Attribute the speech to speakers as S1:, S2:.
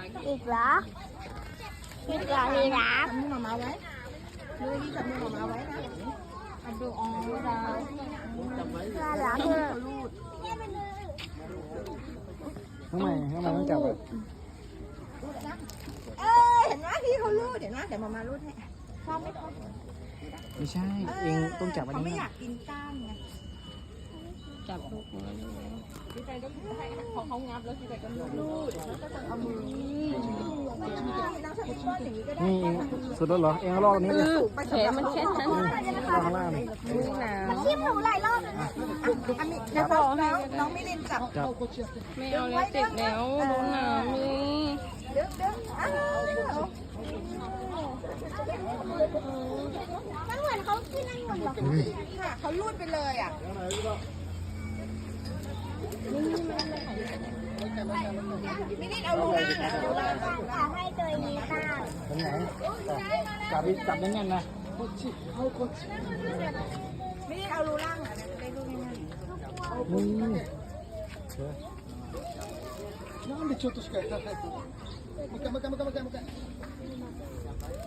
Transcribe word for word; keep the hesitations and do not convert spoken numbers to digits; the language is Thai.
S1: อีกเหรออีกเหรอมีรัก
S2: จับมือมามาไว้ดูดิจับมือมามาไว้นะอันดูอ๋อดาว
S1: น่ารักเลย
S2: รูด
S3: ข้างในข้างในต้องจับอ่ะ
S2: รูดนะเออเห็นไหมพี่เขารูดเห็นไหมเดี๋ยวมามารูดให้ชอบไหมคะ
S3: ไม่ใช่เองต้องจับอัน
S2: เขา
S3: นี้
S2: ไม่อยากกินก้างไง
S4: จับลูกมือเลย
S2: พี่ใจก็ให้พอเขางับแล้วพี่ใจก็รูดแล้วก็จะเอามือน้ำชาติป้อนอย่างนี้ก็ได้
S3: นี่เองสุดแล้วเหรอเองเอาลอกอันนี้เลย
S4: แขนมันแค่นั้น
S3: ข้างล่างนี่
S4: นี่หนาว
S1: ขี้หมูหลายรอบแล้วนะ
S2: อันนี้เดี๋ยวบอกน้องน้องมิลินจับ
S3: จับ
S4: ไม่เอาแล้วเจ็บแล้วโดนหนาวนี่
S2: เดี๋ยวเดี๋ยวอ้าว
S1: มันเหมือนเขาขึ้นนั่งบนหรอ
S2: ค่ะเขารูดไปเลยอ่ะมิลินเอารูล่างอ่ะรูล่าง
S1: อยากให้ตัวนี้บ้าง
S3: ตรงไหนจับดิจับแน่นๆนะ
S2: มิลินเอารูล่างอ่ะจะได้รูดง่าย
S3: อืม
S5: なんでちょっとしかやらないのもう一回もう一回もう一回もう一回もう一回